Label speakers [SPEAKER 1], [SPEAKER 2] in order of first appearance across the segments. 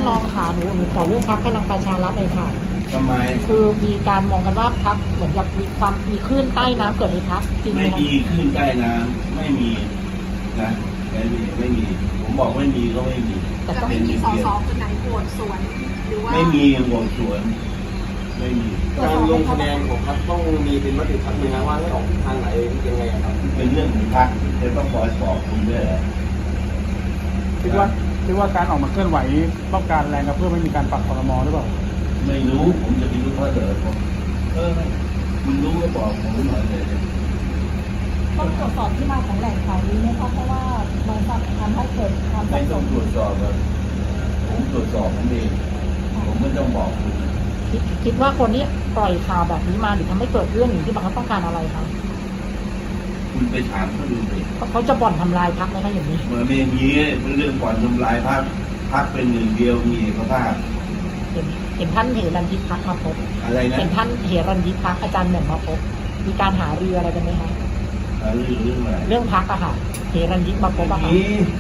[SPEAKER 1] รองขาหนูขอเรื่องพรรคพลังประชารัฐเลยค่ะ
[SPEAKER 2] ทำไม
[SPEAKER 1] คือมีการมองกันว่าพรรคเหมือนกับมีคลื่นใต้น้ำเกิดในพรรคจริงไหม
[SPEAKER 2] ไม่มีขึ้นใต้น้ำไม่มีนะไม่มีผมบอกไม่มีก็ไม่มี
[SPEAKER 3] แต่ไม่มีสสคนไหนโหวตสวนหรือว่า
[SPEAKER 2] ไม่มีโหวตสวนไม่มี
[SPEAKER 4] การลงคะแนนของพรรคต้องมีเป็นมติพรรคเลยนะว่าให้ออกทางไหนยังไงครับ
[SPEAKER 2] เป็นเรื่องของพรรคจะต้องคอยบอกคุณด้วย
[SPEAKER 5] คิดว่าการออกมาเคลื่อนไหวต้องการแรงกระเพื่อไม่มีการปรับครม.หรือเปล่า
[SPEAKER 2] ไม่รู้ผมจะไปรู้เพราะเดี๋ยวผมคุณรู้ก็บอกผมหน่อยเลย
[SPEAKER 1] ต้องตรวจสอบที่มาของแหล่งข่าวนี้ไหมคะเพราะว่ามันทำให้เกิดความ
[SPEAKER 2] ไม่ต้องตรวจสอบผมตรวจสอบผมเองผมไม่ต้องบอกคุณ
[SPEAKER 1] คิดว่าคนนี้ปล่อยข่าวแบบนี้มาหรือทำให้เกิดเรื่องอย่างที่บางเขาต้องการอะไรคะ
[SPEAKER 2] คุณไปถามเขาดูสิ
[SPEAKER 1] เขาจะบ่อนทำลายพรรคไหมคะอย่างนี้
[SPEAKER 2] เหมือนไม่มีเป็นเรื่องบ่อนทำลายพรรคเป็นหนึ่งเดียวมีเอกภาพ
[SPEAKER 1] เห็นท่านเหรัญยิกพรรคมาพบ
[SPEAKER 2] อะไรนะ
[SPEAKER 1] เห็นท่านเหรัญยิกพรรคอาจารย์แหม่มมาพบมีการหารืออะไรกันไหมคะ
[SPEAKER 2] เรื่องอะไร
[SPEAKER 1] เรื่องพรรคอะค่ะเหรัญยิกมาพบอะค่ะ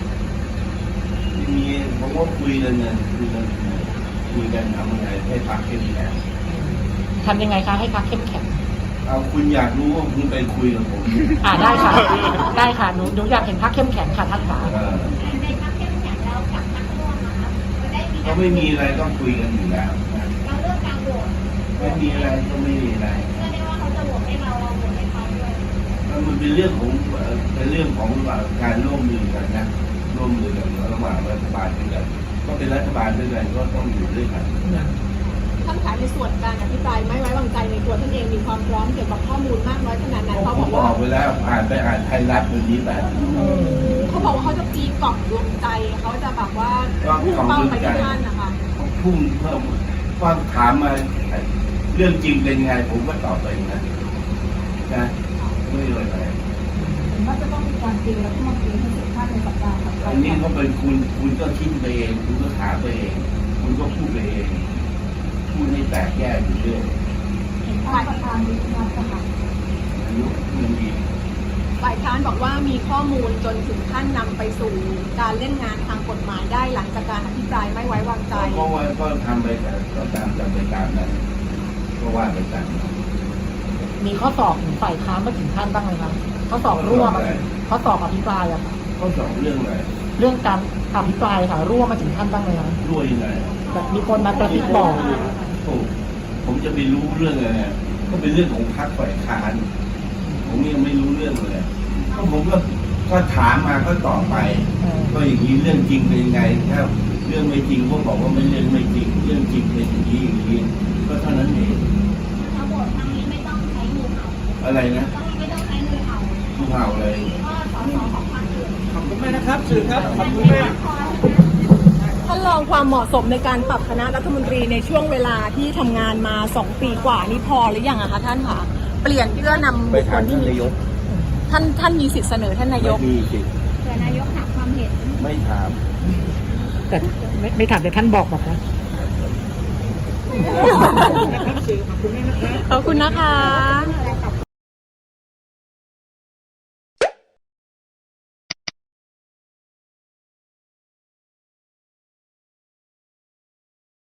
[SPEAKER 2] มีผมว่าคุยกันทำยังไงให้พรรคเข้มแข็ง
[SPEAKER 1] ทำยังไงคะให้พรรคเข้มแข็ง
[SPEAKER 2] เอาคุณอยากรู้ว่าคุณไปคุยกับผม
[SPEAKER 1] ได้ค่ะได้ค่ะหนูอยากเห็นพรรคเข้มแข็งค่ะท่านขา
[SPEAKER 3] ในพรรคเข้มแข็งแล้วกับพรรคร่วมนะคะ
[SPEAKER 2] ก็ไม่มีอะไรต้องคุยกันอยู่แล้ว
[SPEAKER 3] เราเรื่องการโหวต
[SPEAKER 2] ไม่มีอะไรก็ไม่มีอะไร
[SPEAKER 3] เชื่อได้ว่าเขาจะโหวตให้เราโหวตให้เขาด้วย
[SPEAKER 2] มันเป็นเรื่องของการร่วมมือกันนะร่วมมือกันระหว่างรัฐบาลด้วยกันก็เป็นรัฐบาลด้วยกันก็ต้องอยู่ด้วยกัน
[SPEAKER 3] ท่านขายในส่วนการอภิปรายไม่ไว้วางใจในตัวท่านเองมีความพร้อมเกี่ยวกับข้อมูลมากน้อยขนาดไหนเขาบอกว่า
[SPEAKER 2] ไปแล้วอ่านไทยรัฐวันนี้แบบ
[SPEAKER 3] เขาบอกว่าเขาจะตีกล่องดวงใจเขาจะแบบว่าพุ่งเป้าไปที่ท่านนะคะ
[SPEAKER 2] พุ่งเพิ่มว่าถามมาเรื่องจริงเป็นไงผมก็ตอบไปนะไม่เลยอะไร
[SPEAKER 1] ว่าจะต้องมีการตีแล้วก็มาตีให้สุดท้ายในสัปดาห์ถัดไป
[SPEAKER 2] อันนี้เขาเป็นคุณก็คิดไปเองคุณก็ถามไปเองคุณก็พูดไปเองพูดให้แตกแยกอยู่เรื่อย
[SPEAKER 1] เห็นฝ่ายประธานวิจารณ์ค่ะ
[SPEAKER 2] อายุมันดี
[SPEAKER 3] ฝ่ายค้านบอกว่ามีข้อมูลจนถึงขั้นนำไปสู่การเล่นงานทางกฎหมายได้หลังจากการอภิปรายไม่ไว้วางใจ
[SPEAKER 2] เพราะว่าก็ทำไปก็ตามนั้นก็ว่าไปตาม
[SPEAKER 1] มีข้อสอบถึงฝ่ายค้านมาถึงขั้นบ้างไหมครับข้อสอบร่วมข้อสอบอภิปรายอะค่ะ
[SPEAKER 2] ข้อสอบเรื่องอะไร
[SPEAKER 1] เรื่องการอภิปรายค่ะร่วมมาถึงขั้นบ้างไหมครับ
[SPEAKER 2] ร่วมยังไง
[SPEAKER 1] แบบมีคนมากระซิบบอก
[SPEAKER 2] ผมจะไปรู้เรื่องอะไรก็เป็นเรื่องของพรรคฝ่ายค้านผมยังไม่รู้เรื่องเลยก็ผมก็ถามมาก็ตอบไปก็อย่างนี้เรื่องจริงเป็นยังไงถ้าเรื่องไม่จริงก็บอกว่าไม่เรื่องไม่จริงเรื่องจริงเป็นอย่างนี้ก็เท่านั้นเอง
[SPEAKER 3] ทั้งหมดทั้งนี้ไม่ต้องใช้งูเห่า
[SPEAKER 2] อะไรนะ
[SPEAKER 3] ไม่ต้องใช้งูเห่า
[SPEAKER 2] งูเห่าเลย
[SPEAKER 3] ก็สสของพรรคอื่น
[SPEAKER 5] ขอบคุณแม่นะครับสื่อครับขอบคุณแม่
[SPEAKER 3] ท่านรองความเหมาะสมในการปรับคณะรัฐมนตรีในช่วงเวลาที่ทำงานมา2 ปีกว่านี่พอหรือยังอะคะท่านคะเปลี่ยนเพื่อนำบุคคลที่มีท่านมีสิทธิ์เสนอท่านนายก
[SPEAKER 2] มีสิทธิ์
[SPEAKER 3] แต่นายกถามความเห็น
[SPEAKER 2] ไม่ถาม
[SPEAKER 1] แต่ไม่ถามแต่ท่านบอกคะ
[SPEAKER 3] ขอบคุณนะคะ